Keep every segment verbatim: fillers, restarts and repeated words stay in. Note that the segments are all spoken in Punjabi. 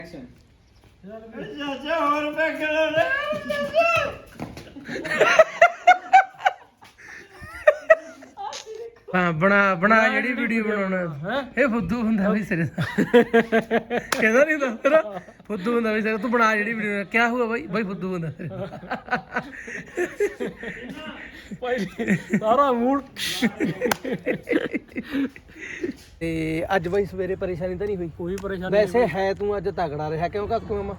ਚਾਚਾ ਹੋਰ ਪੈਕੜ ਹਾਂ ਬਣਾ ਬਣਾ ਜਿਹੜੀ ਵੀਡੀਓ ਬਣਾਉਣਾ ਇਹ ਫੁੱਦੂ ਹੁੰਦਾ ਵੀ ਸਿਰੇ ਦਾ ਕਹਿੰਦਾ ਨਹੀਂ ਦੱਸਦਾ ਫੁੱਦੂ ਹੁੰਦਾ ਵੀ ਸਿਰੇ ਤੂੰ ਬਣਾ ਜਿਹੜੀ ਵੀਡੀਓ ਕਿਆ ਹੁਆ ਬਾਈ ਬਾਈ ਫੁੱਦੂ ਹੁੰਦਾ ਭਾਈ ਸਾਰਾ ਮੂਡ ਤੇ ਅੱਜ ਬਾਈ ਸਵੇਰੇ ਪਰੇਸ਼ਾਨੀ ਤਾਂ ਨਹੀਂ ਹੋਈ ਕੋਈ ਪਰੇਸ਼ਾਨੀ ਵੈਸੇ ਹੈ ਤੂੰ ਅੱਜ ਤਗੜਾ ਰਿਹਾ ਕਿਉਂ ਕਾਕੂ ਮਾਮਾ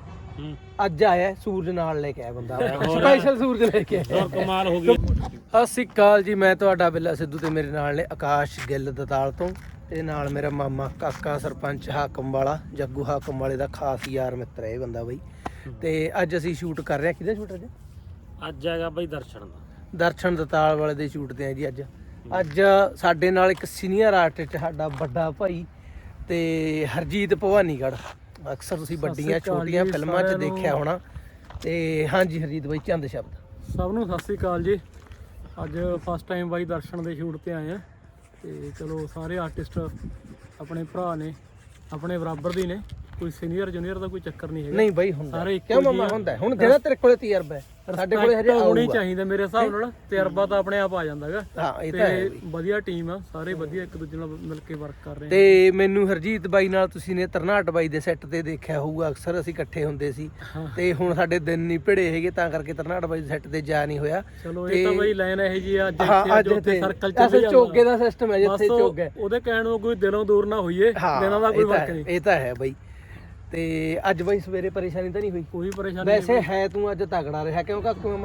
ਅੱਜ ਆਇਆ ਸੂਰਜ ਨਾਲ ਲੈ ਕੇ ਆਇਆ ਬੰਦਾ ਸਪੈਸ਼ਲ ਸੂਰਜ ਲੈ ਕੇ ਆਇਆ ਕਮਾਲ ਹੋ ਗਈ। ਸਤਿ ਸ਼੍ਰੀ ਅਕਾਲ ਜੀ, ਮੈਂ ਤੁਹਾਡਾ ਬਿੱਲਾ ਸਿੱਧੂ ਤੇ ਮੇਰੇ ਨਾਲ ਨੇ ਆਕਾਸ਼ ਗਿੱਲ ਦਤਾਲ ਤੋਂ ਤੇ ਨਾਲ ਮੇਰਾ ਮਾਮਾ ਕਾਕਾ ਸਰਪੰਚ ਹਾਕਮ ਵਾਲਾ ਜੱਗੂ ਹਾਕਮ ਵਾਲੇ ਦਾ ਖਾਸ ਯਾਰ ਮਿੱਤਰ ਹੈ ਇਹ ਬੰਦਾ ਬਈ। ਤੇ ਅੱਜ ਅਸੀਂ ਸ਼ੂਟ ਕਰ ਰਹੇ ਹਾਂ। ਕਿਹਦਾ ਸ਼ੂਟ ਅੱਜ ਅੱਜ ਹੈਗਾ ਬਈ ਦਰਸ਼ਨ ਦਾ ਦਰਸ਼ਨ ਦਤਾਲ ਵਾਲੇ ਦੇ ਸ਼ੂਟ ਤੇ ਆ ਜੀ। ਅੱਜ ਅੱਜ ਸਾਡੇ ਨਾਲ ਇੱਕ ਸੀਨੀਅਰ ਆਰਟਿਸਟ ਸਾਡਾ ਵੱਡਾ ਭਾਈ ਤੇ ਹਰਜੀਤ ਭਵਾਨੀਗੜ੍ਹ, ਅਕਸਰ ਤੁਸੀਂ ਵੱਡੀਆਂ ਛੋਟੀਆਂ ਫਿਲਮਾਂ 'ਚ ਦੇਖਿਆ ਹੋਣਾ। ਤੇ ਹਾਂਜੀ ਹਰਜੀਤ ਬਾਈ ਚੰਦ ਸ਼ਬਦ। ਸਭ ਨੂੰ ਸਤਿ ਸ੍ਰੀ ਅਕਾਲ ਜੀ। ਅੱਜ ਫਸਟ ਟਾਈਮ ਬਾਈ ਦਰਸ਼ਨ ਦੇ ਸ਼ੂਟ ਤੇ ਆਏ ਆ ਤੇ ਚਲੋ ਸਾਰੇ ਆਰਟਿਸਟ ਆਪਣੇ ਭਰਾ ਨੇ, ਆਪਣੇ ਬਰਾਬਰ ਦੇ ਨੇ, ਕੋਈ ਸੀਨੀਅਰ ਜੂਨੀਅਰ ਦਾ ਕੋਈ ਚੱਕਰ ਨਹੀਂ ਹੈਗਾ। ਨਹੀਂ ਬਾਈ ਹੁੰਦਾ ਸਾਰੇ ਕਿਉਂ ਮਾਮਾ ਹੁੰਦਾ। ਹੁਣ ਜਿਹੜਾ ਤੇਰੇ ਕੋਲੇ ਤਜਰਬਾ ਹੈ ਸਾਡੇ ਕੋਲੇ ਹਜੇ ਹੋਣੀ ਚਾਹੀਦਾ ਮੇਰੇ ਹਿਸਾਬ ਨਾਲ। ਤਜਰਬਾ ਤਾਂ ਆਪਣੇ ਆਪ ਆ ਜਾਂਦਾ ਹੈਗਾ। ਹਾਂ ਇਹ ਤਾਂ ਹੈ। ਵਧੀਆ ਟੀਮ ਆ, ਸਾਰੇ ਵਧੀਆ ਇੱਕ ਦੂਜੇ ਨਾਲ ਮਿਲ ਕੇ ਵਰਕ ਕਰ ਰਹੇ ਆ। ਤੇ ਮੈਨੂੰ ਹਰਜੀਤ ਬਾਈ ਨਾਲ ਤੁਸੀਂ ਨੇ ਤਰਨਾਟ ਬਾਈ ਦੇ ਸੈੱਟ ਤੇ ਦੇਖਿਆ ਹੋਊਗਾ, ਅਕਸਰ ਅਸੀਂ ਇਕੱਠੇ ਹੁੰਦੇ ਸੀ। ਤੇ ਹੁਣ ਸਾਡੇ ਦਿਨ ਨਹੀਂ ਭਿੜੇ ਹੈਗੇ ਤਾਂ ਕਰਕੇ ਤਰਨਾਟ ਬਾਈ ਦੇ ਸੈੱਟ ਤੇ ਜਾ ਨਹੀਂ ਹੋਇਆ। ਚਲੋ ਇਹ ਤਾਂ ਬਾਈ ਲਾਈਨ ਇਹ ਜੀ ਅੱਜ ਅੱਜ ਇੱਥੇ ਸਰਕਲ ਚੱਲ ਜਾਂਦਾ ਚੋਗੇ ਦਾ ਸਿਸਟਮ ਹੈ ਜਿੱਥੇ ਚੋਗ ਹੈ। ਉਹਦੇ ਕਹਿਣ ਨੂੰ ਕੋਈ ਦਿਲੋਂ ਦੂਰ ਨਾ ਹੋਈਏ, ਦਿਨਾਂ ਦਾ ਕੋਈ ਫਰਕ ਨਹੀਂ। ਇਹ ਤਾਂ ਹੈ ਬਾਈ। ਤੇ ਅੱਜ ਬਾਈ ਸਵੇਰੇ ਪਰੇਸ਼ਾਨੀ ਤਾਂ ਨਹੀਂ ਹੋਈ ਕੋਈ ਪਰੇਸ਼ਾਨੀ ਵੈਸੇ ਹੈ ਤੂੰ ਅੱਜ ਤਗੜਾ ਰਿਹਾ ਕਿਉਂ ਕਾਕੂ ਮਾਮਾ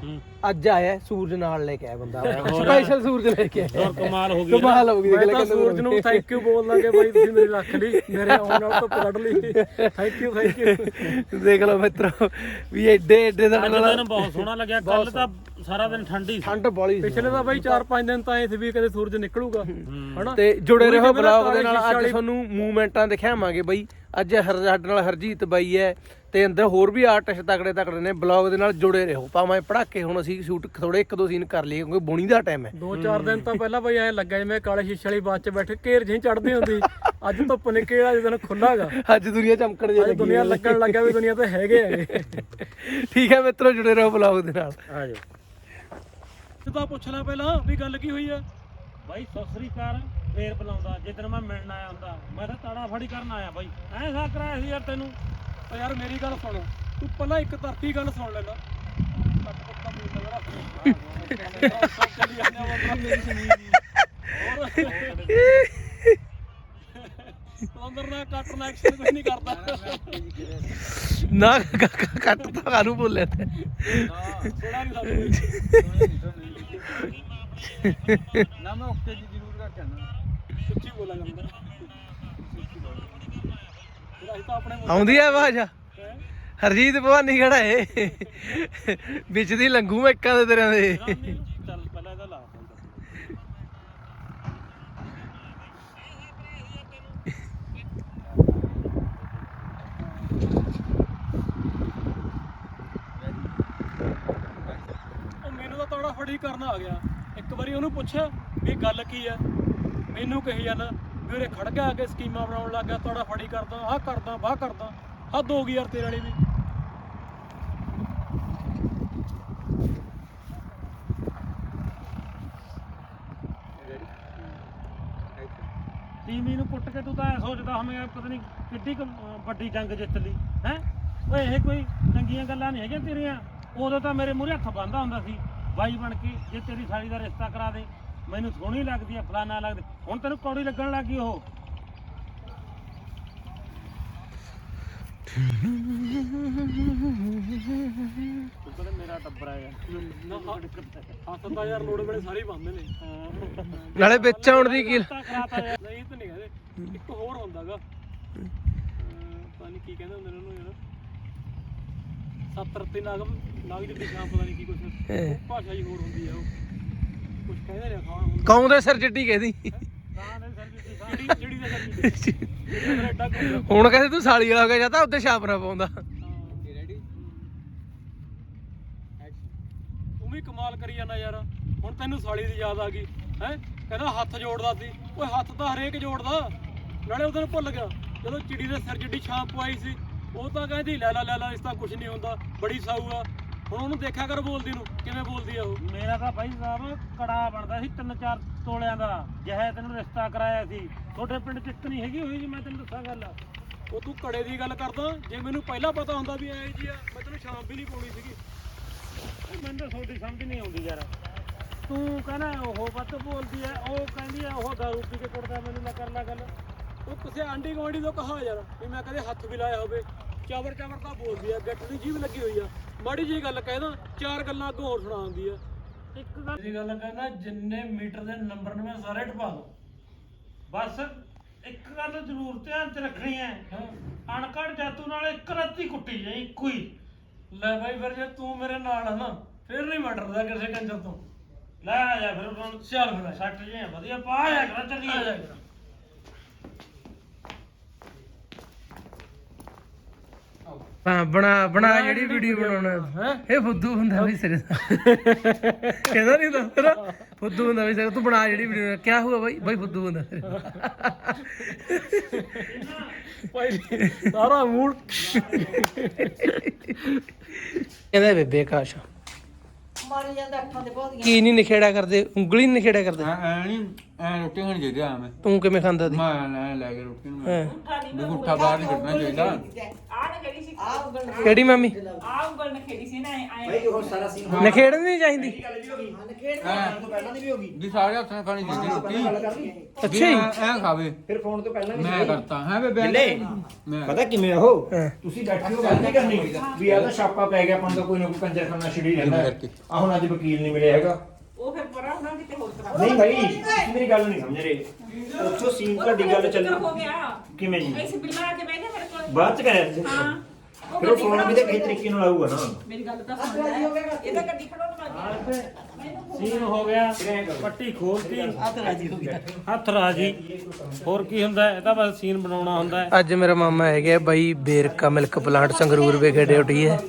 ਅੱਜ ਆਇਆ ਸੂਰਜ ਨਾਲ ਲੈ ਕੇ ਆਇਆ ਬੰਦਾ ਸਪੈਸ਼ਲ ਸੂਰਜ ਲੈ ਕੇ ਆਇਆ। ਕਮਾਲ ਹੋ ਗਈ ਕਮਾਲ ਹੋ ਗਈ। ਮੈਂ ਤਾਂ ਸੂਰਜ ਨੂੰ ਥੈਂਕ ਯੂ ਬੋਲ ਲਾਂਗੇ ਬਾਈ, ਤੁਸੀਂ ਮੇਰੀ ਰੱਖ ਲਈ, ਮੇਰੇ ਆਉਣ ਨਾਲ ਤੋਂ ਕੱਢ ਲਈ। Thank you thank you. ਦੇਖ ਲਓ ਮਿੱਤਰੋ ਵੀ ਐਡੇ ਐਡੇ ਦਾ ਦਿਨ ਬਹੁਤ ਸੋਹਣਾ ਲੱਗਿਆ। ਕੱਲ ਤਾਂ ਸਾਰਾ ਦਿਨ ਠੰਡੀ ਠੰਡ ਬੋਲੀ ਪਿਛਲੇ ਤਾਂ ਬਾਈ ਚਾਰ ਪੰਜ ਦਿਨ ਤਾਂ ਐ ਸੀ ਵੀ ਕਦੇ ਸੂਰਜ ਨਿਕਲੂਗਾ ਹਨਾ। ਤੇ ਜੁੜੇ ਰਹੋ ਬਲੌਗ ਦੇ ਨਾਲ। ਅੱਜ ਤੁਹਾਨੂੰ ਮੂਵਮੈਂਟਾਂ ਦਿਖਾਵਾਂਗੇ ਬਾਈ। ਅੱਜ ਹਰ ਸਾਡੇ ਨਾਲ ਹਰਜੀਤ ਬਾਈ ਹੈ ਤੇ ਅੰਦਰ ਹੋਰ ਵੀ ਆਰਟਿਸਟ ਤਕੜੇ ਤਕੜੇ ਨੇ। ਬਲੌਗ ਦੇ ਨਾਲ ਜੁੜੇ ਰਹੋ ਭਾਵੇਂ ਪੜਾਕੇ। ਹੁਣ ਅਸੀਂ ਸ਼ੂਟ ਥੋੜੇ ਇੱਕ ਦੋ ਸੀਨ ਕਰ ਲਈਏ ਕਿਉਂਕਿ ਬੁਣੀ ਦਾ ਟਾਈਮ ਹੈ। ਦੋ ਚਾਰ ਦਿਨ ਤਾਂ ਪਹਿਲਾਂ ਬਾਈ ਐ ਲੱਗਾ ਜਿਵੇਂ ਕਾਲੇ ਸ਼ੀਸ਼ੇ ਵਾਲੀ ਬੱਸ 'ਚ ਬੈਠੇ ਘੇਰ ਜਿਹੀ ਚੜਦੀ ਹੁੰਦੀ। ਅੱਜ ਧੁੱਪ ਨਿਕਲਿਆ ਜਦੋਂ ਖੁੱਲਾਗਾ। ਅੱਜ ਦੁਨੀਆ ਚਮਕਣ ਜਿਹੀ ਅੱਜ ਦੁਨੀਆ ਲੱਗਣ ਲੱਗਿਆ ਵੀ ਦੁਨੀਆ ਤੇ ਹੈਗੇ ਹੈਗੇ। ਠੀਕ ਹੈ ਮਿੱਤਰੋ, ਜੁੜੇ ਰਹੋ ਬਲੌਗ ਦੇ ਨਾਲ। ਆ ਜਾ ਤਾਂ ਪੁੱਛ ਲੈ ਪਹਿਲਾਂ ਵੀ ਗੱਲ ਕੀ ਹੋਈ ਆ ਬਾਈ। ਸਤਿ ਸ੍ਰੀ ਅਕਾਲ ਫੇਰ ਬੁਲਾਉਂਦਾ ਜਿੱਦਣ ਮੈਂ ਮਿਲਣ ਆਇਆ ਹੁੰਦਾ। ਮੈਂ ਤਾਂ ਤਾੜਾ ਫੜੀ ਕਰਨ ਆਇਆ ਬਾਈ। ਐਂ ਸਾ ਕਰਾਇਆ ਸੀ ਯਾਰ ਤੈਨੂੰ। ਓ ਯਾਰ ਮੇਰੀ ਗੱਲ ਸੁਣ, ਤੂੰ ਪਹਿਲਾਂ ਇੱਕ ਧਰਤੀ ਗੱਲ ਸੁਣ ਲੈਣਾ। ਅੰਦਰ ਨਾ ਕੱਟ ਨਾ ਐਕਸ਼ਨ ਕੁਝ ਨਹੀਂ ਕਰਦਾ ਨਾ ਕੱਟ ਤਾਂ ਕਾਹਨੂੰ ਬੋਲਿਆ ਤੇ ਥੋੜਾ ਨਹੀਂ ਨਾ ਮੈਂ ਓਕੇ ਜੀ ਜ਼ਰੂਰ ਕਰ ਜਾਣਾ। ਸੱਚੀ ਬੋਲਾਂ ਜਾਂਦਾ ਤਾਂ ਆਪਣੇ ਆਉਂਦੀ ਆ ਆਵਾਜ਼। ਹਰਜੀਤ ਭਵਾਨੀਗੜ੍ਹ ਏ ਵਿੱਚ ਦੀ ਲੰਗੂ ਮੈਂ ਇੱਕਾਂ ਦੇ ਤੇਰਿਆਂ ਦੇ। ਚੱਲ ਪਹਿਲਾਂ ਇਹਦਾ ਲਾ ਮੈਨੂੰ ਤਾਂ ਤੋੜਾ ਫੜੀ ਕਰਨ ਆ ਗਿਆ। ਇੱਕ ਵਾਰੀ ਉਹਨੂੰ ਪੁੱਛਿਆ ਵੀ ਗੱਲ ਕੀ ਆ, ਮੈਨੂੰ ਕਹੀ ਜਾਂਦਾ ਵੀ ਉਰੇ ਖੜ ਗਿਆ ਕੇ ਸਕੀਮਾਂ ਬਣਾਉਣ ਲੱਗ ਗਿਆ। ਤੋੜਾ ਫੜੀ ਕਰਦਾ, ਆਹ ਕਰਦਾ, ਵਾਹ ਕਰਦਾ। ਹੱਦ ਹੋ ਗਈ ਯਾਰ ਤੇਰੇ ਵਾਲੀ ਵੀ। ਟੀਮੀ ਨੂੰ ਕੁੱਟ ਕੇ ਤੂੰ ਤਾਂ ਐ ਸੋਚਦਾ ਹਮੇ ਪਤਾ ਨਹੀਂ ਕਿੱਡੀ ਵੱਡੀ ਜੰਗ ਜਿੱਤ ਲਈ ਹੈ। ਓਏ ਇਹ ਕੋਈ ਚੰਗੀਆਂ ਗੱਲਾਂ ਨਹੀਂ ਹੈਗੀਆਂ ਤੇਰੀਆਂ। ਉਦੋਂ ਤਾਂ ਮੇਰੇ ਮੂਹਰੇ ਹੱਥ ਬੰਨ੍ਹਦਾ ਹੁੰਦਾ ਸੀ ਬਾਈ ਬਣ ਕੇ, ਜੇ ਤੇਰੀ ਸਾਲੀ ਦਾ ਰਿਸ਼ਤਾ ਕਰਾ ਦੇ, ਮੈਨੂੰ ਸੋਹਣੀ ਲੱਗਦੀ ਆ, ਫਲਾਨਾ ਲੱਗਦੀ। ਹੁਣ ਤੈਨੂੰ ਕੌੜੀ ਲੱਗਣ ਲੱਗ ਗਈ ਉਹ। ਮੇਰਾ ਟੱਬਰ ਆ ਯਾਰ। ਹੱਥ ਤਾਂ ਯਾਰ ਲੋੜ ਵੇਲੇ ਸਾਰੇ ਬੰਦੇ ਨੇ ਨਾਲੇ ਵਿੱਚ ਆਉਣ ਦੀ ਕੀ। ਨਹੀਂ ਤਾਂ ਨਹੀਂ ਕਹਿੰਦੇ। ਇੱਕ ਹੋਰ ਹੁੰਦਾਗਾ ਪਤਾ ਨਹੀਂ ਕੀ ਕਹਿੰਦੇ ਹੁੰਦੇ ਨੇ ਉਹਨੂੰ ਯਾਰ। ਸੱਤ ਰੱਤੇ ਨਾਗਮ ਨਾਗ ਜਿੱਡੀ ਸ਼ਾਮ ਪਤਾ ਨਹੀਂ ਕੀ ਕੁਛ ਭਾਸ਼ਾ ਹੀ ਹੋਰ ਹੁੰਦੀ ਆ। ਉਹ ਕੁਛ ਕਹਿੰਦੇ ਨੇ ਖਾਣ ਕੌਂ ਦੇ ਸਿਰ ਜਿੱਡੀ ਕਹਿੰਦੀ ਹੁਣ ਕਹਿੰਦੇ ਤੂੰ ਸਾਲੀ ਵਾਲਾ ਹੋ ਗਿਆ ਜਾਂ ਤਾਂ ਉੱਤੇ ਛਾਪਣਾ ਪਾਉਂਦਾ। ਤੂੰ ਵੀ ਕਮਾਲ ਕਰੀ ਜਾਂਦਾ ਯਾਰ। ਹੁਣ ਤੈਨੂੰ ਸਾਲੀ ਦੀ ਯਾਦ ਆ ਗਈ ਹੈ। ਕਹਿੰਦਾ ਹੱਥ ਜੋੜਦਾ ਸੀ। ਓਏ ਹੱਥ ਤਾਂ ਹਰੇਕ ਜੋੜਦਾ। ਨਾਲੇ ਉਹਦੇ ਨੂੰ ਭੁੱਲ ਗਿਆ ਜਦੋਂ ਚਿੜੀ ਦੇ ਸਿਰ ਜਿੱਡੀ ਛਾਪ ਪਵਾਈ ਸੀ। ਉਹ ਤਾਂ ਕਹਿੰਦੀ ਲੈ ਲੈ ਲੈ ਲੈ ਇਸ ਤਾਂ ਕੁਝ ਨਹੀਂ ਹੁੰਦਾ, ਬੜੀ ਸਾਊ ਆ। ਹੁਣ ਉਹਨੂੰ ਦੇਖਿਆ ਕਰ ਬੋਲਦੀ ਨੂੰ, ਕਿਵੇਂ ਬੋਲਦੀ ਆ ਉਹ। ਮੇਰਾ ਤਾਂ ਬਾਈ ਸਾਹਿਬ ਕੜਾ ਬਣਦਾ ਸੀ ਤਿੰਨ ਚਾਰ ਤੋਲਿਆਂ ਦਾ, ਜਿਹੇ ਤੈਨੂੰ ਰਿਸ਼ਤਾ ਕਰਾਇਆ ਸੀ। ਤੁਹਾਡੇ ਪਿੰਡ ਚ ਇੱਕ ਨਹੀਂ ਹੈਗੀ ਹੋਈ ਜੀ, ਮੈਂ ਤੈਨੂੰ ਦੱਸਾਂ ਗੱਲ। ਉਹ ਤੂੰ ਕੜੇ ਦੀ ਗੱਲ ਕਰਦਾ, ਜੇ ਮੈਨੂੰ ਪਹਿਲਾਂ ਪਤਾ ਹੁੰਦਾ ਵੀ ਐ ਜੀ ਆ, ਮੈਂ ਤੈਨੂੰ ਸ਼ਾਮ ਵੀ ਨਹੀਂ ਪਾਉਣੀ ਸੀਗੀ। ਮੈਨੂੰ ਤਾਂ ਤੁਹਾਡੀ ਸਮਝ ਨਹੀਂ ਆਉਂਦੀ ਯਾਰ। ਤੂੰ ਕਹਿੰਦਾ ਉਹ ਵੱਧ ਬੋਲਦੀ ਐ, ਉਹ ਕਹਿੰਦੀ ਐ ਉਹ ਦਾਰੂ ਪੀ ਕੇ ਕੁੱਟਦਾ ਮੈਨੂੰ, ਨਾ ਕਰ ਲੈ ਗੱਲ। ਉਹ ਕਿਸੇ ਆਂਢੀ ਗੁਆਂਢੀ ਤੋਂ ਕਹਾ ਯਾਰ ਵੀ ਮੈਂ ਕਦੇ ਹੱਥ ਵੀ ਲਾਇਆ ਹੋਵੇ। ਚਾਵਰ ਚਾਵਰ ਤਾਂ ਬੋਲਦੀ ਆ, ਗੱਟ ਦੀ ਜੀਭ ਲੱਗੀ ਹੋਈ ਆ। ਮਾੜੀ ਜਿਹੀ ਗੱਲ ਕਹਿਦਾ ਚਾਰ ਗੱਲਾਂ ਅੱਗੋਂ ਹੋਰ ਸੁਣਾ ਦਿੰਦੀ ਆ। ਇੱਕ ਗੱਲ ਇਹ ਗੱਲ ਕਹਿੰਦਾ ਜਿੰਨੇ ਮੀਟਰ ਦੇ ਨੰਬਰ ਨੇ ਮੈਂ ਸਾਰੇ ਟਪਾ ਦੋ। ਬਸ ਇੱਕ ਗੱਲ ਜ਼ਰੂਰ ਧਿਆਨ ਚ ਰੱਖਣੀ ਐ, ਅਣਕੜ ਜਾਤੂ ਨਾਲ ਇੱਕ ਰੱਤੀ ਕੁੱਟੀ ਜਾਏ, ਇੱਕੋ ਹੀ। ਲੈ ਬਾਈ ਫਿਰ ਜੇ ਤੂੰ ਮੇਰੇ ਨਾਲ ਆ ਨਾ, ਫਿਰ ਨਹੀਂ ਮੈਂ ਡਰਦਾ ਕਿਸੇ ਟੈਨਸ਼ਨ ਤੋਂ। ਲੈ ਆ ਜਾ ਫਿਰ ਹੁਣ ਚੱਲ ਫਿਰ ਸੱਟ ਜੇ ਵਧੀਆ ਪਾ ਜਾ ਕਰ, ਚੱਲੀ ਆ ਜਾ ਕਰ। ਹਾਂ ਬਣਾ ਬਣਾ ਜਿਹੜੀ ਵੀਡੀਓ ਬਣਾਉਣਾ ਇਹ ਫੁੱਦੂ ਹੁੰਦਾ ਬਈ ਸਿਰੇ ਦਾ ਕਹਿੰਦਾ ਨਹੀਂ ਦੱਸਦਾ ਫੁੱਦੂ ਹੁੰਦਾ ਬਈ ਸਿਰੇ ਤੂੰ ਬਣਾ ਜਿਹੜੀ ਵੀਡੀਓ ਕੀ ਹੁਆ ਬਾਈ ਬਾਈ ਫੁੱਦੂ ਹੁੰਦਾ ਸਿਰੇ ਦਾ ਭਾਈ ਸਾਰਾ ਮੂਡ ਕਹਿੰਦਾ ਬੇਬੇ ਕਾਸ਼ ਮਾਰੀ ਜਾਂਦਾ ਅੱਖਾਂ ਤੇ ਬਹੁਤ ਕੀ ਨਹੀਂ ਨਿਖੇੜਾ ਕਰਦੇ ਉਂਗਲੀ ਨਹੀਂ ਨਿਖੇੜਾ ਕਰਦੇ ਐ ਨਹੀਂ ਐ ਰੋਟੀ ਖਾਣੀ ਚਾਹੀਦੀ ਆ ਮੈਂ ਤੂੰ ਕਿਵੇਂ ਖਾਂਦਾ ਸੀ ਮੈਂ ਲੈ ਲੈ ਕੇ ਰੋਟੀ ਨੂੰ ਹਾਂ ਵੀ ਗੁੱਠਾ ਬਾਹਰ ਨਹੀਂ ਕੱਢਣਾ ਚਾਹੀਦਾ। ਆਹ ਨਾ ਕਿਹੜੀ ਸੀ ਆਹ ਉਂਗਲ ਕਿਹੜੀ ਮੰਮੀ ਆਹ ਉਂਗਲ ਨਾ ਖੇੜੀ ਸੀ ਨਾ ਆਏ ਨਿਖੇੜਨੀ ਨਹੀਂ ਚਾਹੀਦੀ ਵੀ ਸਾਰੇ ਹੱਥਾਂ ਨਾਲ ਖਾਣੀ ਚਾਹੀਦੀ ਰੋਟੀ। ਅੱਛਾ ਜੀ ਐ ਖਾਵੇ ਫਿਰ ਫੋਨ ਤੋਂ ਪਹਿਲਾਂ ਵੀ ਮੈਂ ਕਰਤਾ ਹੈ ਬੇਬੇ ਮੈਂ ਪਤਾ ਕਿਵੇਂ ਉਹ ਹਾਂ। ਤੁਸੀਂ ਬੈਠੇ ਹੋ ਗੱਲ ਨਹੀਂ ਕਰਨੀ ਵੀ ਆ ਤਾਂ ਛਾਪਾ ਪੈ ਗਿਆ ਆਪਾਂ ਨੂੰ ਤਾਂ ਕੋਈ ਨਾ ਕੋਈ ਕੰਜਰਖਾਨਾ ਛਿੜੀ ਰਹਿੰਦਾ ਆ ਹੁਣ ਅੱਜ ਵਕੀਲ ਨਹੀਂ ਮਿਲਿਆ ਹੈਗਾ। ਉਹ ਫਿਰ ਪਰਾਂ ਉਹਨਾਂ ਕਿਤੇ ਹੋਰ ਤਰ੍ਹਾਂ ਨਹੀਂ ਭਾਈ ਤੁਸੀਂ ਮੇਰੀ ਗੱਲ ਨਹੀਂ ਸਮਝ ਰਹੇ ਉੱਥੋਂ ਸੀਨ ਤੁਹਾਡੀ ਗੱਲ ਚੱਲ ਹੋ ਗਿਆ ਕਿਵੇਂ ਜੀ ਐਸੇ ਬਿੱਲਾ ਆ ਕੇ ਬਹਿ ਗਿਆ ਮੇਰੇ ਕੋਲ ਬਾਅਦ ਚ ਕਰਿਆ ਤੁਸੀਂ ਹਾਂ ਉਹ ਫਿਰ ਉਹ ਫੋਨ ਵੀ ਤਾਂ ਕਿਸੇ ਤਰੀਕੇ ਨਾਲ ਆਊਗਾ ਨਾ। ਮੇਰੀ ਗੱਲ ਤਾਂ ਸੁਣ ਲੈ ਇਹ ਤਾਂ ਗੱਡੀ ਖੜਾਉਣ ਲੱਗ ਗਿਆ ਸੀਨ ਹੋ ਗਿਆ, ਪੱਟੀ ਖੋਲਤੀ, ਹੱਥ ਰਾਜੀ ਹੋ ਗਿਆ ਹੱਥ ਰਾਜੀ। ਹੋਰ ਕੀ ਹੁੰਦਾ, ਇਹ ਤਾਂ ਬਸ ਸੀਨ ਬਣਾਉਣਾ ਹੁੰਦਾ ਹੈ। ਅੱਜ ਮੇਰਾ ਮਾਮਾ ਹੈਗਾ ਬਾਈ ਬੇਰਕਾ ਮਿਲਕ ਪਲਾਂਟ ਸੰਗਰੂਰ ਵਿਖੇ ਡਿਊਟੀ ਹੈ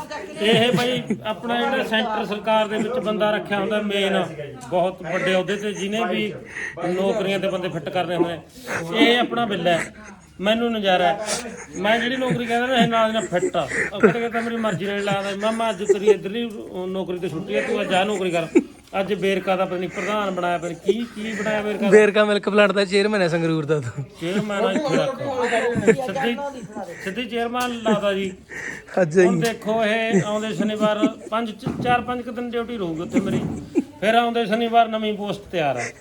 ਇਹ ਬਈ ਆਪਣਾ ਜਿਹੜਾ ਸੈਂਟਰ ਸਰਕਾਰ ਦੇ ਵਿੱਚ ਬੰਦਾ ਰੱਖਿਆ ਹੁੰਦਾ ਮੇਨ, ਬਹੁਤ ਵੱਡੇ ਅਹੁਦੇ ਤੇ, ਜਿਹਨੇ ਵੀ ਨੌਕਰੀਆਂ ਤੇ ਬੰਦੇ ਫਿੱਟ ਕਰਨੇ ਹੁੰਦੇ ਨੇ। ਇਹ ਆਪਣਾ ਬਿੱਲਾ ਹੈ, ਮੈਨੂੰ ਨਜ਼ਾਰਾ ਹੈ। ਮੈਂ ਜਿਹੜੀ ਨੌਕਰੀ ਕਹਿੰਦਾ ਨਾ ਇਹ ਨਾਲ ਨਾਲ ਫਿੱਟ ਆ। ਉਹ ਕਹਿੰਦੇ ਤਾਂ ਮੇਰੀ ਮਰਜ਼ੀ ਨਾਲ ਲਾਦਾ, ਮਾਮਾ ਅੱਜ ਤੇਰੀ ਇੱਧਰਲੀ ਨੌਕਰੀ ਤੇ ਛੁੱਟੀ ਹੈ, ਤੂੰ ਅੱਜ ਆਹ ਨੌਕਰੀ ਕਰ। ਅੱਜ ਬੇਰਕਾ ਦਾ ਪਤਾ ਨਹੀਂ ਪ੍ਰਧਾਨ ਬਣਾਇਆ, ਫਿਰ ਕੀ ਕੀ ਬਣਾਇਆ ਬੇਰਕਾ ਦਾ? ਬੇਰਕਾ ਮਿਲਕ ਪਲਾਂਟ ਦਾ ਚੇਅਰਮੈਨ ਹੈ ਸੰਗਰੂਰ ਦਾ ਤੂੰ ਚੇਅਰਮੈਨ ਆ ਇੱਥੇ ਰੱਖ। ਸਿੱਧੀ ਸਿੱਧੀ ਚੇਅਰਮੈਨ ਲਾਦਾ ਜੀ। ਅੱਜ ਹੁਣ ਹੀ ਦੇਖੋ ਇਹ ਆਉਂਦੇ ਸ਼ਨੀਵਾਰ ਪੰਜ ਚਾਰ ਪੰਜ ਕੁ ਦਿਨ ਡਿਊਟੀ ਰਹੂਗੀ ਉੱਥੇ ਮੇਰੀ, ਫਿਰ ਆਉਂਦੇ ਸ਼ਨੀਵਾਰ ਨਵੀਂ ਪੋਸਟ ਤਿਆਰ ਆ।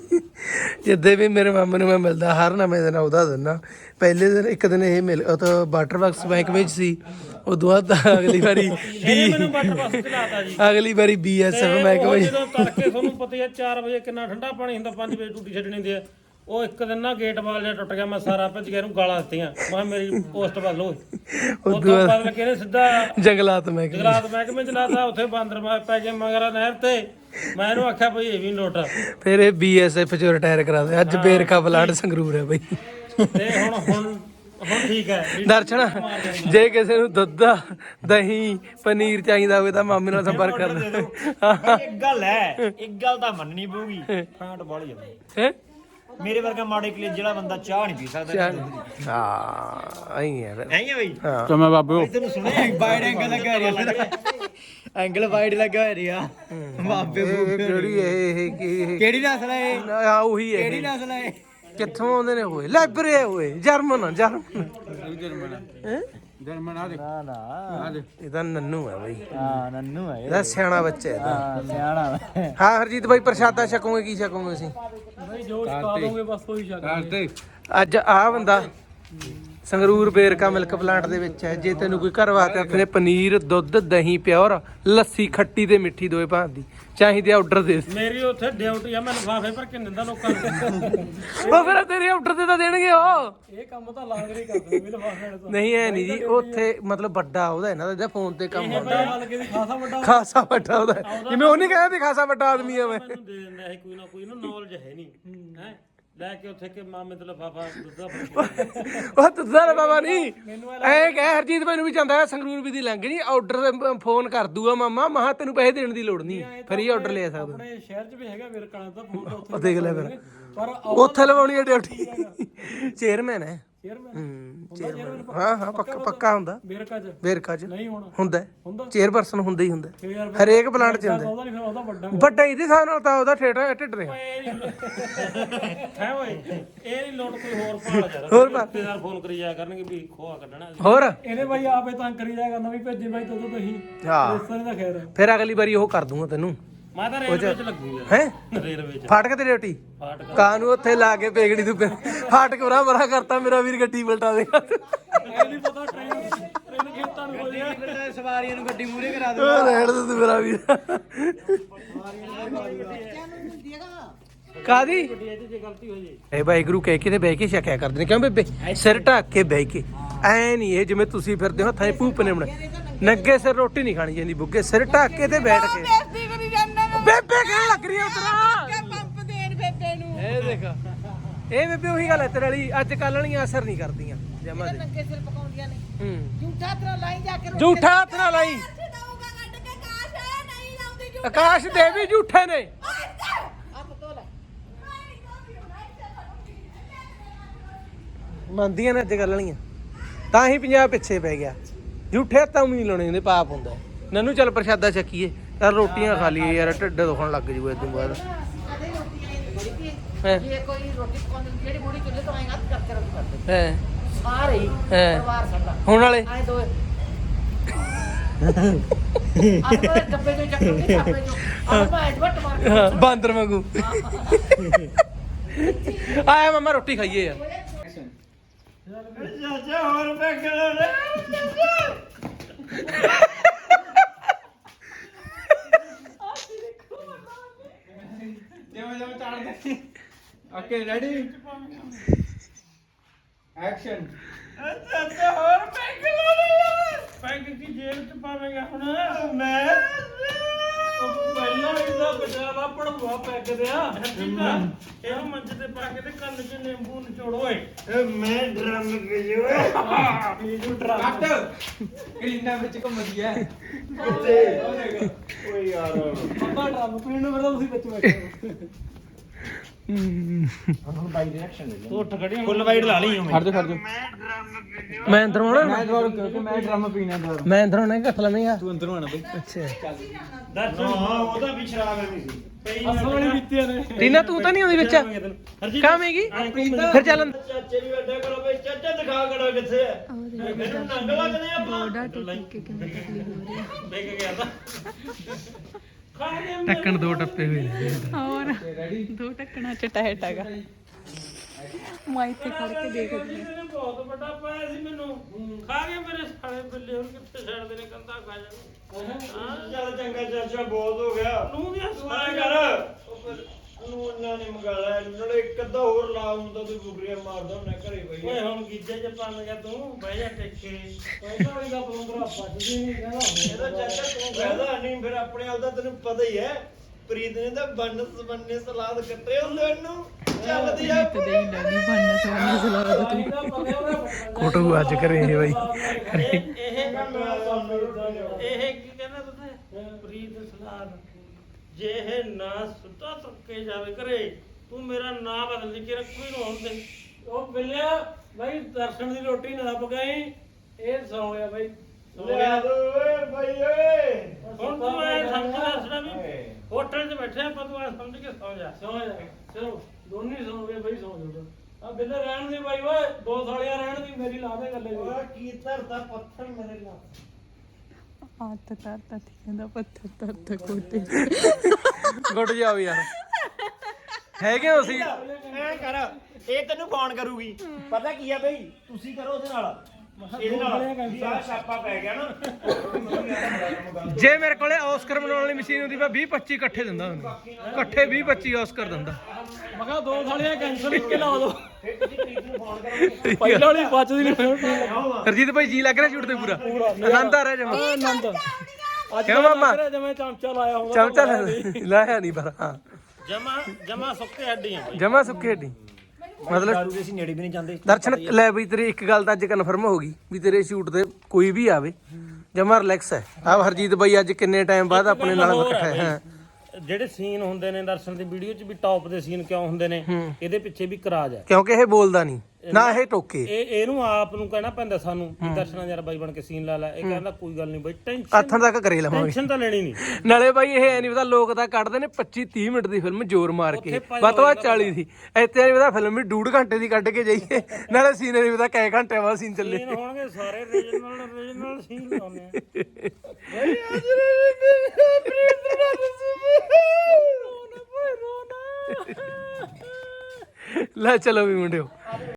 ਜਿੱਦੇ ਵੀ ਮੇਰੇ ਮਾਮੇ ਨੂੰ ਮੈਂ ਮਿਲਦਾ ਹਰ ਨਵੇਂ ਦਿਨ ਉਹਦਾ ਦਿੰਦਾ। ਪਹਿਲੇ ਦਿਨ ਇੱਕ ਦਿਨ ਇਹ ਮਿਲ ਉਹ ਤਾਂ ਵਾਟਰ ਵਰਕਸ ਬੈਂਕ ਵਿੱਚ ਸੀ, ਉਦੋਂ ਬਾਅਦ ਅਗਲੀ ਵਾਰੀ ਇਹਨੇ ਮੈਨੂੰ ਵਾਟਰ ਬੱਸ ਚਲਾਤਾ ਜੀ। ਅਗਲੀ ਵਾਰੀ ਬੀਐਸਐਫ ਤੇ ਬੈਂਕ ਉਹ ਵਿੱਚ ਜਦੋਂ ਤੜਕੇ ਤੁਹਾਨੂੰ ਪਤਾ ਹੀ ਆ ਚਾਰ ਵਜੇ ਕਿੰਨਾ ਠੰਡਾ ਪਾਣੀ ਹੁੰਦਾ, ਪੰਜ ਵਜੇ ਡਿਊਟੀ ਛੱਡਣੀ ਹੁੰਦੀ ਆ। ਉਹ ਇੱਕ ਦਿਨ ਨਾ ਗੇਟ ਵਾਲ ਜਿਹਾ ਟੁੱਟ ਗਿਆ, ਮੈਂ ਸਾਰਾ ਭੱਜ ਗਿਆ, ਇਹਨੂੰ ਗਾਲਾਂ ਦਿੱਤੀਆਂ, ਮੈਂ ਕਿਹਾ ਮੇਰੀ ਪੋਸਟ ਬਦਲੋ। ਉਹ ਤੋਂ ਬਾਅਦ ਲੱਗੇ ਨੇ ਸਿੱਧਾ ਜੰਗਲਾਤ ਮਹਿਕਮੇ ਜਗਰਾਤ ਮਹਿਕਮੇ ਚਲਾਤਾ, ਉੱਥੇ ਬਾਂਦਰ ਮਾ ਪੈ ਗਏ ਮਗਰ ਨਹਿਰ ਤੇ। ਮੈਂ ਇਹਨੂੰ ਆਖਿਆ ਬਈ ਇਹ ਵੀ ਨੋਟ ਆ। ਫਿਰ ਇਹ ਬੀਐਸਐਫ ਚੋਂ ਰਿਟਾਇਰ ਕਰਾ ਦੇ। ਅੱਜ ਬੇਰਕਾ ਪਲਾਂਟ ਸੰਗਰੂਰ ਹੈ ਬਈ। ਤੇ ਹੁਣ ਹੁਣ ਹੁਣ ਠੀਕ ਹੈ। ਦਰਸ਼ਨ ਜੇ ਕਿਸੇ ਨੂੰ ਦੁੱਧ ਦਹੀਂ ਪਨੀਰ ਚਾਹੀਦਾ ਹੋਵੇ ਤਾਂ ਮਾਮੇ ਨਾਲ ਸੰਪਰਕ ਕਰ ਲੈ। ਇੱਕ ਗੱਲ ਹੈ, ਇੱਕ ਗੱਲ ਤਾਂ ਮੰਨਣੀ ਪਊਗੀ, ਫਾਂਟ ਬਾਲੀ ਜਾਂਦੀ ਹੈ ਮੇਰੇ ਵਰਗਾ ਮਾੜੇ ਕਲੇ ਜਿਹੜਾ ਬੰਦਾ ਚਾਹ ਨਹੀਂ ਪੀ ਸਕਦਾ। ਹਾਂ ਆਈ ਹੈ ਫਿਰ। ਐਂ ਹੀ ਆ ਬਈ ਹਾਂ ਤਾਂ ਮੈਂ ਬਾਬੇ ਤੈਨੂੰ ਸੁਣਿਆ ਵਾਈਡ ਐਂਗਲ ਲੱਗਾ ਰਿਹਾ, ਐਂਗਲ ਵਾਈਡ ਲੱਗਾ ਰਿਹਾ ਬਾਬੇ ਇਹ ਕਿਹੜੀ ਇਹ ਇਹ ਕੀ ਕਿਹੜੀ ਨਸਲ ਹੈ ਇਹ? ਆ ਉਹੀ ਹੈ ਕਿਹੜੀ ਇਹ। ਨਸਲ ਹੈ? ਕਿੱਥੋਂ ਆਉਂਦੇ ਨੇ ਹੋਏ ਲਾਇਬ੍ਰੇਰੀ ਹੋਏ ਜਰਮਨ ਜਰਮਨ ਹੈ ਜਰਮਨ ਆ ਦੇ ਨਾ ਨਾ ਆ ਦੇ ਇਹ ਤਾਂ ਨੰਨੂ ਹੈ ਬਈ, ਹਾਂ ਨੰਨੂ ਹੈ ਇਹਦਾ ਸਿਆਣਾ ਬੱਚਾ ਹੈ ਇਹਦਾ। ਹਾਂ ਸਿਆਣਾ ਹਾਂ ਹਰਜੀਤ ਬਾਈ ਪ੍ਰਸ਼ਾਦਾ ਛਕੋਗੇ ਕੀ ਛਕੋਗੇ ਅਸੀਂ ਭਾਈ ਜੋ ਸਿਖਾ ਦੋਗੇ ਬਸ ਉਹੀ ਸ਼ੱਕ। ਕਰਤੇ ਅੱਜ ਆ ਬੰਦਾ ਸੰਗਰੂਰ ਬੇਰਕਾ ਮਿਲਕ ਪਲਾਂਟ ਦੇ ਵਿੱਚ ਹੈ। ਜੇ ਤੈਨੂੰ ਕੋਈ ਘਰ ਵਾਸਤੇ ਆਪਣੇ ਪਨੀਰ ਦੁੱਧ ਦਹੀਂ ਪਿਓਰ ਲੱਸੀ ਖੱਟੀ ਤੇ ਮਿੱਠੀ ਦੋਏ ਭਾਂਤ ਦੀ ਚਾਹੀਦੀ ਆਰਡਰ ਦੇ ਦੇ। ਮੇਰੀ ਉੱਥੇ ਡਿਊਟੀ ਆ, ਮੈਂ ਲਿਫਾਫੇ ਭਰ ਕੇ ਦਿੰਦਾ ਲੋਕਾਂ ਨੂੰ। ਉਹ ਫਿਰ ਤੇਰੇ ਆਰਡਰ ਤੇ ਤਾਂ ਦੇਣਗੇ ਉਹ। ਇਹ ਕੰਮ ਤਾਂ ਲਾਂਗਰੇ ਕਰਦੇ ਵੀ ਲਫਾਫੇ ਤੋਂ। ਨਹੀਂ ਐ ਨਹੀਂ ਜੀ, ਉੱਥੇ ਮਤਲਬ ਵੱਡਾ ਉਹਦਾ ਇਹਨਾਂ ਦਾ ਫੋਨ ਤੇ ਕੰਮ ਹੁੰਦਾ ਹਲਕੇ ਦੀ ਖਾਸਾ ਵੱਡਾ ਖਾਸਾ ਵੱਡਾ ਉਹਦਾ ਹੈ। ਜਿਵੇਂ ਉਹ ਨਹੀਂ ਕਹਿੰਦਾ ਵੀ ਖਾਸਾ ਵੱਡਾ ਆਦਮੀ ਆ ਮੈਂ। ਮੈਨੂੰ ਦੇ ਦਿੰਦਾ ਇਹ ਕੋਈ ਨਾ ਕੋਈ ਨਾ ਨੌਲੇਜ ਹੈ ਨਹੀਂ ਹੈ। ਲੈ ਕੇ ਉੱਥੇ ਕਿ ਮਾਮੇ ਤੇ ਲਿਫਾਫਾ ਦੁੱਧਾ ਭਰ ਕੇ। ਉਹ ਤੁੱਦਾ ਬਾਬਾ ਨਹੀਂ ਐ ਕਹਿ ਹਰਜੀਤ ਮੈਨੂੰ ਵੀ ਜਾਂਦਾ ਹੈ ਸੰਗਰੂਰ ਵੀ ਦੀ ਲੰਘ ਨਹੀਂ ਆਰਡਰ ਫੋਨ ਕਰ ਦੂਗਾ ਮਾਮਾ ਮਹਾ ਤੈਨੂੰ ਪੈਸੇ ਦੇਣ ਦੀ ਲੋੜ ਨਹੀਂ, ਫਰੀ ਆਰਡਰ ਲੈ ਸਕਦਾ। ਆਪਣੇ ਸ਼ਹਿਰ 'ਚ ਵੀ ਹੈਗਾ ਮੇਰੇ ਕਾਲਾਂ ਦਾ ਫੋਨ ਤਾਂ ਉੱਥੇ ਉਹ ਦੇਖ ਲੈ ਫਿਰ ਪਰ ਉੱਥੇ ਲਵਾਉਣੀ ਹੈ ਡਿਊਟੀ ਚੇਅਰਮੈਨ ਹੈ ਚੇਅਰਮੈਨ ਹੂੰ ਚੇਅਰਮੈਨ ਹਾਂ ਹਾਂ ਪੱਕਾ ਪੱਕਾ ਹੁੰਦਾ ਬੇਰਕਾ ਚ ਵੇਰਕਾ ਚ ਨਹੀਂ ਹੋਣਾ ਹੁੰਦਾ ਹੈ। ਹੁੰਦਾ ਚੇਅਰਪਰਸਨ ਹੁੰਦਾ ਹੀ ਹੁੰਦਾ ਫੇਰ ਯਾਰ ਹਰੇਕ ਪਲਾਂਟ ਚ ਹੁੰਦਾ ਉਹਦਾ ਨਹੀਂ ਫਿਰ ਉਹਦਾ ਵੱਡਾ ਵੱਡਾ ਇਹਦੇ ਹਿਸਾਬ ਨਾਲ ਤਾਂ ਉਹਦਾ ਠੇਠ ਢਿੱਡ ਰਿਹਾ ਹੈ ਓਏ ਇਹ ਨਹੀਂ ਲੋਟ ਕੋਈ ਹੋਰ ਭਾਲ ਯਾਰ ਹੋਰ ਪਾ ਰਿਸ਼ਤੇਦਾਰ ਫੋਨ ਕਰੀ ਜਾਇਆ ਕਰਨਗੇ ਵੀ ਖੋਆ ਕੱਢਣਾ ਅਸੀਂ। ਹੋਰ ਇਹਨੇ ਬਾਈ ਆਪੇ ਤੰਗ ਕਰੀ ਜਾਇਆ ਕਰਨਾ ਵੀ ਭੇਜੇ ਬਾਈ ਤਦੋਂ ਤੁਸੀਂ ਹਾਂ ਰਿਸ਼ਤੇ ਦਾ ਖੈਰ ਹੈ। ਫਿਰ ਅਗਲੀ ਵਾਰੀ ਉਹ ਕਰ ਦੂੰਗਾ ਤੈਨੂੰ ਮੈਂ ਤਾਂ ਰੇਲਵੇ ਚ ਲੱਗੂ ਯਾਰ ਹੈ ਰੇਲਵੇ ਚ ਫਾਟਕ ਤੇ ਡਿਊਟੀ ਫਾਟਕ ਕਾਂ ਨੂੰ ਉੱਥੇ ਲਾ ਕੇ ਪੇਗੜੀ ਤੂੰ ਫਾਟਕ ਉਰਾ ਬਰਾ ਕਰਤਾ ਮੇਰਾ ਵੀਰ ਗੱਡੀ ਪਲਟਾ ਦੇਗਾ ਇਹ ਨਹੀਂ ਪਤਾ ਟ੍ਰੇਨ ਟ੍ਰੇਨ ਖੇਤਾਂ ਨੂੰ ਹੋ ਜਾਏ ਸਵਾਰੀਆਂ ਨੂੰ ਗੱਡੀ ਮੂਰੇ ਕਰਾ ਉਹ ਰਹਿਣ ਦੇ ਤੂੰ ਮੇਰਾ ਵੀਰ ਕਾਦੀ ਇਹਦੇ ਜੇ ਗਲਤੀ ਹੋ ਜੇ ਇਹ ਵਾਹਿਗੁਰੂ ਕਹਿ ਕੇ ਤੇ ਬਹਿ ਕੇ ਛਕਿਆ ਕਰਦੇ ਨੇ ਕਿਉਂ ਬੇਬੇ ਸਿਰ ਢੱਕ ਕੇ ਬਹਿ ਕੇ ਐ ਨਹੀਂ ਇਹ ਜਿਵੇਂ ਤੁਸੀਂ ਫਿਰਦੇ ਹੋ ਹੱਥਾਂ 'ਚ ਭੂਪ ਨੇ ਬਣਾ ਨੰਗੇ ਸਿਰ ਰੋਟੀ ਨਹੀਂ ਖਾਣੀ ਜਾਂਦੀ ਬੁੱਗੇ ਸਿਰ ਢੱਕ ਕੇ ਤੇ ਬੈਠ ਕੇ ਬੇਇੱਜ਼ਤੀ ਕਰੀ ਜਾਂਦਾ ਵਾ ਬੇਬੇ ਕਹਿਣ ਲੱਗ ਰਹੀ ਆ ਉਤਰਾ ਕਿ ਪੰਪ ਦੇਣ ਬੇਬੇ ਨੂੰ ਇਹ ਦੇਖ ਇਹ ਬੇਬੇ ਉਹੀ ਗੱਲ ਹੈ ਤੇਰੇ ਵਾਲੀ ਅੱਜ ਕੱਲ੍ਹ ਵਾਲੀਆਂ ਅਸਰ ਨਹੀਂ ਕਰਦੀਆਂ ਜਮਾ ਦੇ ਨੰਗੇ ਸਿਰ ਪਕਾਉਂਦੀਆਂ ਨੇ ਹੂੰ ਝੂਠਾ ਤਰ੍ਹਾਂ ਲਾਈ ਜਾ ਕੇ ਰੋਟੀ ਝੂਠਾ ਹੱਥ ਨਾਲ ਲਾਈ ਦਊਗਾ ਕੱਢ ਕੇ ਕਾਸ਼ ਹੈ ਨਹੀਂ ਲਾਉਂਦੀ ਝੂਠਾ ਆਕਾਸ਼ ਦੇ ਵੀ ਝੂਠੇ ਨੇ ਹੱਥ ਧੋ ਲੈ ਮੰਨਦੀਆਂ ਨੇ ਅੱਜ ਕੱਲ੍ਹ ਵਾਲੀਆਂ ਤਾਂ ਹੀ ਪੰਜਾਬ ਪਿੱਛੇ ਪੈ ਗਿਆ ਝੂਠੇ ਹੱਥਾਂ ਵੀ ਨਹੀਂ ਲਾਉਣੇ ਹੁੰਦੇ ਪਾਪ ਹੁੰਦਾ ਨਨੂੰ ਚੱਲ ਪ੍ਰਸ਼ਾਦਾ ਚੱਕੀਏ ਚੱਲ ਰੋਟੀਆਂ ਖਾ ਲਈਏ ਯਾਰ ਢਿੱਡ ਦੁਖਣ ਲੱਗ ਜੂਗਾ ਇਦੋਂ ਬਾਅਦ ਅਦੇ ਰੋਟੀ ਆਈ ਬੜੀ ਪੀ ਹੈਂ। ਜੇ ਕੋਈ ਰੋਟੀ ਪਕਾਉਂਦੀ ਜਿਹੜੀ ਬੁੜੀ ਚੁੱਲ੍ਹੇ ਤੋਂ ਆਏਗਾ ਹੱਥ ਕਰਕੇ ਰੋਟੀ ਕਰਦੇ ਹੈ ਸਾਰੇ ਹੀ ਹੈਂ। ਪਰਿਵਾਰ ਸਾਡਾ ਹੁਣ ਵਾਲੇ ਆਏ ਦੋ ਆਪਣੇ ਡੱਬੇ ਚੋਂ ਚੱਕਦੇ ਡੱਬੇ ਚੋਂ ਆਹ ਮੈਂ ਵੱਟ ਮਾਰ ਕੇ ਹਾਂ, ਬਾਂਦਰ ਵਾਂਗੂ ਆਇਆ ਮਮਾ ਰੋਟੀ ਖਾਈਏ ਯਾਰ ਚਾਚਾ ਹੋਰ ਬੈਠਣਾ ਜਿਵੇਂ ਜਿਵੇਂ ਚੱਲਦੇ ਓਕੇ ਰੈਡੀ ਐਕਸ਼ਨ ਚਾਚਾ ਹੋਰ ਬੈਠਣਾ ਪੈਗ ਕੀ ਜੇਲ੍ਹ ਚ ਪਾਵੇਂਗਾ ਹੁਣ ਮੈਂ ਪਹਿਲਾਂ ਇਹਦਾ ਬਚਾਵਾ ਪੜਵਾ ਪੈਗ ਦਿਆ ਇਹਨੂੰ ਮੰਚ ਤੇ ਪਾ ਕੇ ਤੇ ਕੰਨ 'ਚ ਨਿੰਬੂ ਨਿਚੋੜ ਓਏ ਮੈਂ ਡਰਮ ਭੇਜੋ ਕੱਟ ਕਲੀਨਾ ਵਿੱਚ ਘੁੰਮਦੀ ਐ ਕਿੱਥੇ ਓਏ ਯਾਰ ਪੱਪਾ ਡਰਮ ਪੀਣ ਨੂੰ ਮੇਰਾ ਤੁਸੀਂ ਵਿੱਚ ਬੈਠੇ ਹੁਣ ਬਾਈ ਰਿਐਕਸ਼ਨ ਲੈ ਤੂੰ ਉੱਠ ਖੜੀ ਫੁੱਲ ਵਾਈਡ ਲਾ ਲਈ ਖੜ ਜਾ ਖੜ ਜਾ ਮੈਂ ਅੰਦਰ ਆਉਣਾ ਮੈਂ ਦਵਾਰ ਕਿਉਂਕਿ ਮੈਂ ਡਰਮ ਪੀਣਾ ਦਵਾਰ ਮੈਂ ਅੰਦਰ ਆਉਣਾ ਘੱਟ ਲੈਵੇਂਗਾ ਤੂੰ ਅੰਦਰੋਂ ਆਣਾ ਬਈ ਅੱਛਾ ਹਾਂ ਉਹਦਾ ਵੀ ਸ਼ਰਾਬ ਐਵੇਂ ਸੀ ਅਸਲ ਵਾਲੀ ਬੀਤੀਆਂ ਨੇ ਟੀਨਾ ਤੂੰ ਤਾਂ ਨਹੀਂ ਆਉਂਦੀ ਵਿੱਚ ਕਾਵੇਂਗੀ ਫਿਰ ਚੱਲ ਅੰਦਰ। ਚਾਚੇ ਵੀ ਅੱਡਾ ਕਰੋ ਬਈ ਚਾਚਾ ਦਿਖਾ ਕਰੋ ਕਿੱਥੇ ਹੈ ਮੈਨੂੰ ਨੰਗ ਲੱਗਦੇ ਆਪਾਂ ਦੇਖ ਗਿਆ ਤਾਂ ਖਾ ਗਿਆ ਢੱਕਣ ਦੋ ਟੱਪੇ ਹੋਏ ਨੇ ਹੋਰ ਦੋ ਢੱਕਣਾ ਚ ਟੈਟ ਹੈਗਾ ਮੈਂ ਇੱਥੇ ਖੜ ਕੇ ਦੇਖਦੀ ਇਹਨੇ ਬਹੁਤ ਵੱਡਾ ਪਾਇਆ ਸੀ ਮੈਨੂੰ ਖਾ ਗਿਆ ਮੇਰੇ ਸਾਲੇ ਬਿੱਲੇ ਹੁਣ ਕਿੱਥੇ ਛੱਡਦੇ ਨੇ ਕੰਦਾ ਖਾ ਜਾਣ ਚੱਲ ਚੰਗਾ ਚਾਚਾ ਬਹੁਤ ਹੋ ਗਿਆ ਨੂੰ ਦੀਆਂ ਤੂੰ ਐਂ ਕਰ ਨੂੰ ਉਹਨਾਂ ਨੇ ਮੰਗਾਲਾ ਨਾਲੇ ਇੱਕ ਅੱਧਾ ਹੋਰ ਲਾ ਹੁੰਦਾ ਤੂੰ ਬੁਗਰੀਆਂ ਮਾਰਦਾ ਹੁੰਨਾ ਘਰੇ ਬਈ ਓਏ ਹੁਣ ਗੀਜੇ ਚ ਪੰਨ ਗਿਆ ਤੂੰ ਬਹਿ ਜਾ ਟਿੱਕੇ ਪਹਿਲਾਂ ਵਾਲੀ ਦਾ ਪਲੰਦਰਾ ਬਚਦੀ ਨਹੀਂ ਕਹਿੰਦਾ ਇਹਦਾ ਚਾਚਾ ਤੂੰ ਫਾਇਦਾ ਨਹੀਂ ਫਿਰ ਆਪਣੇ ਆਪ ਦਾ ਤੈਨੂੰ ਪਤਾ ਹੀ ਹੈ ਪ੍ਰੀਤ ਨੇ ਤਾਂ ਬੰਨ ਸਬੰਨੇ ਸਲਾਦ ਕੱਟੇ ਹੁੰਦੇ ਉਹਨੂੰ ਚੱਲਦੀ ਆ ਤੇ ਦੇਈ ਲੱਗੀ ਬੰਨ ਸੋਨੇ ਸਲਾਦ ਤੂੰ ਇਹਦਾ ਪਤਾ ਉਹਦਾ ਕੋਟੂ ਅੱਜ ਕਰੇ ਇਹ ਬਾਈ ਇਹ ਇਹ ਇਹ ਕੀ ਕਹਿੰਦਾ ਪਤਾ ਪ੍ਰੀਤ ਸਲਾਦ ਜੇ ਇਹ ਨਾ ਸੁੱਤਾ ਤੁੱਕੇ ਜਾਵੇ ਕਰੇ ਤੂੰ ਮੇਰਾ ਨਾਂ ਬਦਲ ਲਈ ਕਿ ਰੱਖੂ ਹੀ ਨਾ ਹੁੰਦੇ ਉਹ ਬਿੱਲਿਆ ਬਾਈ ਦਰਸ਼ਨ ਦੀ ਰੋਟੀ ਨਾ ਪਕਾਈ ਇਹ ਸੌ ਗਿਆ ਬਾਈ ਲਿਆ ਦੋ ਓਏ ਬਾਈ ਓਏ ਹੁਣ ਤੂੰ ਐ ਸਮਝ ਦੱਸਣਾ ਵੀ ਹੋਟਲ 'ਚ ਬੈਠੇ ਆਪਾਂ ਤੂੰ ਐ ਸਮਝ ਕੇ ਸੌ ਜਾ ਸੌ ਜਾ ਚਲੋ ਦੋਨੇ ਸੌ ਗਏ ਬਾਈ ਸੌ ਜਾਓ ਆ ਬਿੱਲੇ ਰਹਿਣ ਦੀ ਬਾਈ ਓਏ ਦੋ ਸਾਲੀਆਂ ਰਹਿਣ ਦੀ ਮੇਰੀ ਲਾ ਦੇ ਗੱਲੇ ਦੀ ਓਏ ਕੀ ਧਰਦਾ ਪੱਥਰ ਮੇਰੇ ਨਾਲ ਹੱਥ ਤਾਂ ਤਾਂ ਕਹਿੰਦਾ ਪੱਥਰ ਤਾਂ ਤਾਂ ਕੋਟੇ ਗੁੱਟ ਜਾਓ ਯਾਰ ਹੈਗੇ ਹੋ ਅਸੀਂ ਐ ਕਰ ਇਹ ਤੈਨੂੰ ਫੋਨ ਕਰੂਗੀ ਪਤਾ ਕੀ ਆ ਬਈ ਤੁਸੀਂ ਕਰੋ ਉਹਦੇ ਨਾਲ ਇਹਦੇ ਨਾਲ ਵੀ ਆਹ ਛਾਪਾ ਪੈ ਗਿਆ ਨਾ ਜੇ ਮੇਰੇ ਕੋਲੇ ਆਸਕਰ ਬਣਾਉਣ ਵਾਲੀ ਮਸ਼ੀਨ ਹੁੰਦੀ ਮੈਂ ਵੀਹ ਪੱਚੀ ਇਕੱਠੇ ਦਿੰਦਾ ਉਹਨੂੰ ਇਕੱਠੇ ਵੀਹ ਪੱਚੀ ਆਸਕਰ ਦਿੰਦਾ ਮੈਂ ਕਿਹਾ ਦੋ ਸਾਲੀਆਂ ਕੈਂਸਲ ਇੱਕ ਲਾ ਦੋ ਫਿਰ ਤੁਸੀਂ ਪ੍ਰੀਤ ਨੂੰ ਫੋਨ ਕਰੋਗੇ ਪਹਿਲਾਂ ਵਾਲੀ ਬਚਦੀ ਨਹੀਂ ਫਿਰ ਹਰਜੀਤ ਭਾਈ ਜੀ ਲੱਗ ਰਿਹਾ ਸ਼ੂਟ ਤੇ ਪੂਰਾ ਆਨੰਦ ਆ ਰਿਹਾ ਜਮਾ ਆਨੰਦ ਅੱਜ ਕਿਉਂ ਮਾਮਾ? ਜਿਵੇਂ ਚਮਚਾ ਲਾਇਆ ਹੁੰਦਾ ਚਮਚਾ ਲੈ- ਲਾਇਆ ਨਹੀਂ ਪਰ ਹਾਂ ਜਮਾ ਜਮਾ ਸੁੱਕੇ ਹੱਡੀਆਂ ਬਈ ਜਮਾ ਸੁੱਕੀ ਹੱਡੀ ਮਤਲਬ ਦਾਰੂ ਦੇ ਅਸੀਂ ਨੇੜੇ ਵੀ ਨਹੀਂ ਜਾਂਦੇ ਦਰਸ਼ਨ ਲੈ ਬਈ ਤੇਰੀ ਇੱਕ ਗੱਲ ਤਾਂ ਅੱਜ ਕਨਫਰਮ ਹੋ ਗਈ ਵੀ ਤੇਰੇ ਸ਼ੂਟ ਤੇ ਕੋਈ ਵੀ ਆਵੇ ਜਮਾ ਰਿਲੈਕਸ ਹੈ ਆ ਹਰਜੀਤ ਬਾਈ ਅੱਜ ਕਿੰਨੇ ਟਾਈਮ ਬਾਅਦ ਆਪਣੇ ਨਾਲ ਇਕੱਠੇ ਹੈ ਜਿਹੜੇ ਸੀਨ ਹੁੰਦੇ ਨੇ ਦਰਸ਼ਨ ਦੀ ਵੀਡੀਓ 'ਚ ਵੀ ਟੌਪ ਦੇ ਸੀਨ ਕਿਉਂ ਹੁੰਦੇ ਨੇ ਇਹਦੇ ਪਿੱਛੇ ਵੀ ਕਰਾਜ ਹੈ ਕਿਉਂਕਿ ਇਹ ਬੋਲਦਾ ਨਹੀਂ ਨਾ ਇਹ ਟੋਕੇ ਇਹ ਇਹਨੂੰ ਆਪ ਨੂੰ ਕਹਿਣਾ ਪੈਂਦਾ ਸਾਨੂੰ ਵੀ ਦਰਸ਼ਨਾਂ ਯਾਰ ਬਾਈ ਬਣ ਕੇ ਸੀਨ ਲਾ ਲੈ ਇਹ ਕਹਿੰਦਾ ਕੋਈ ਗੱਲ ਨਹੀਂ ਬਾਈ ਟੈਨਸ਼ਨ ਆਥਣ ਤੱਕ ਕਰੇ ਲਵਾਂਗੇ ਟੈਨਸ਼ਨ ਤਾਂ ਲੈਣੀ ਨਹੀਂ ਨਾਲੇ ਬਾਈ ਇਹ ਐ ਨਹੀਂ ਪਤਾ ਲੋਕ ਤਾਂ ਕੱਢਦੇ ਨੇ ਪੱਚੀ ਤੀਹ ਮਿੰਟ ਦੀ ਫਿਲਮ ਜ਼ੋਰ ਮਾਰ ਕੇ ਵੱਧ ਤੋਂ ਵੱਧ ਚਾਲੀ ਦੀ ਇੱਥੇ ਨਹੀਂ ਪਤਾ ਫਿਲਮ ਵੀ ਡੂਢ ਘੰਟੇ ਦੀ ਕੱਢ ਕੇ ਜਾਈਏ ਨਾਲੇ ਸੀਨ ਨਹੀਂ ਪਤਾ ਕਈ ਘੰਟੇ ਬਾਅਦ ਸੀਨ ਚੱਲੇ ਸੀਨ ਹੋਣਗੇ ਸਾਰੇ ਰੀਜਨਲ ਰੀਜਨਲ ਸੀਨ ਲਾਉਣੇ ਲੈ ਚਲੋ ਵੀ ਮੁੰਡਿਓ